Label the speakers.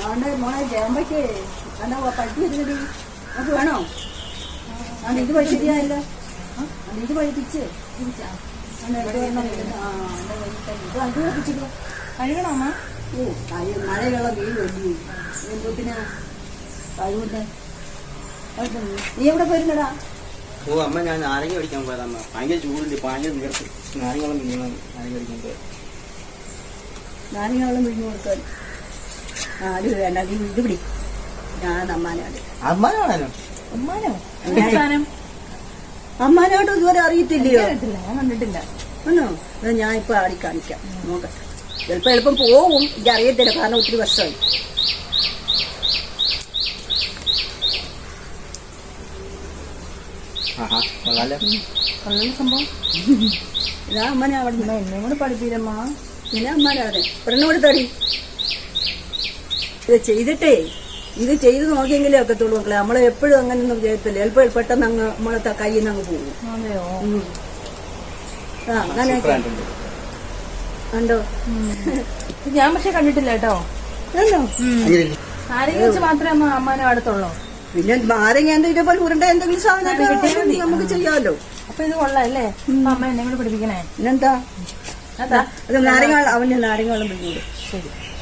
Speaker 1: അതുകൊണ്ട് മോളെ ജയമ്പയ്ക്ക് എന്നാ പട്ടി വരുന്നത് അത് വേണോ? അത് ഇത് പഠിച്ചിട്ടില്ല. ഇത് പഠിപ്പിച്ച് ഇത് അത് പഠിപ്പിച്ചിട്ടോ
Speaker 2: കഴിയണോ അമ്മ?
Speaker 1: ഓ മഴയുള്ള വെയിൽ വലിയ എന്തൊത്തിനാ കഴിവുണ്ട്. നീ എവിടെ പോയിരുന്നടാ?
Speaker 3: ഓ അമ്മ ഞാൻ നാരങ്ങ പഠിക്കാൻ പോയതമ്മ. ഭയങ്കര ചൂടുണ്ട്, ഭയങ്കര വിയർത്ത്. നാരങ്ങളും പിടിക്കണം, നാരങ്ങ പഠിക്കാൻ പോയത്.
Speaker 1: നാരങ്ങളും പിഴിഞ്ഞു കൊടുക്കാൻ. അത് വേണ്ട, നീ ഇത് പിടി. ഞാൻ അമ്മാനാണ്.
Speaker 3: അമ്മാനാണോ?
Speaker 2: അമ്മാനോ?
Speaker 1: അമ്മാനോട്ട് ഇതുവരെ അറിയത്തില്ലയോ?
Speaker 2: ഞാൻ കണ്ടിട്ടില്ല.
Speaker 1: ഒന്നോ ഞാൻ ഇപ്പൊ ആടി കാണിക്കാം, നോക്കട്ടെ. ചിലപ്പോ എളുപ്പം പോവും, എനിക്ക് അറിയത്തില്ല, കാരണം ഒത്തിരി വർഷമായി.
Speaker 2: കൊള്ളാം സംഭവം.
Speaker 1: ഇതാ അമ്മനെ അവിടെ
Speaker 2: എന്നെ കൂടെ പഠിപ്പില്ലമ്മ.
Speaker 1: പിന്നെ അമ്മാനാണ് പെണ്ണോട് തടി. ഇത് ചെയ്തിട്ടേ ഇത് ചെയ്ത് നോക്കിയെങ്കിലേ ഒക്കത്തുള്ളൂ മക്കളെ. നമ്മളെ എപ്പോഴും അങ്ങനെയൊന്നും ചെയ്യത്തില്ല. ചിലപ്പോൾ പെട്ടെന്ന് അങ്ങ് നമ്മളെ കയ്യിൽ നിന്ന് അങ്ങ് പോകും.
Speaker 2: അതെയോ?
Speaker 1: ആ അങ്ങനെ ഉണ്ടോ?
Speaker 2: ഞാൻ പക്ഷെ കണ്ടിട്ടില്ല കേട്ടോ.
Speaker 1: ആണോ?
Speaker 2: നാരങ്ങ വെച്ച് മാത്രമേ അമ്മാനോ അടുത്തുള്ളൂ.
Speaker 1: പിന്നെ നാരങ്ങ ഇതേപോലെ ഉരുണ്ട എന്തെങ്കിലും സാധനം നമുക്ക് ചെയ്യാമല്ലോ.
Speaker 2: അപ്പൊ ഇത് കൊള്ളാം അല്ലേ? അമ്മ എന്നെ കൂടെ പഠിപ്പിക്കണേ.
Speaker 1: പിന്നെന്താ? അത് നാരങ്ങ അവന് നാരങ്ങ വെള്ളം പിടിക്കൂടെ?
Speaker 2: ശരി.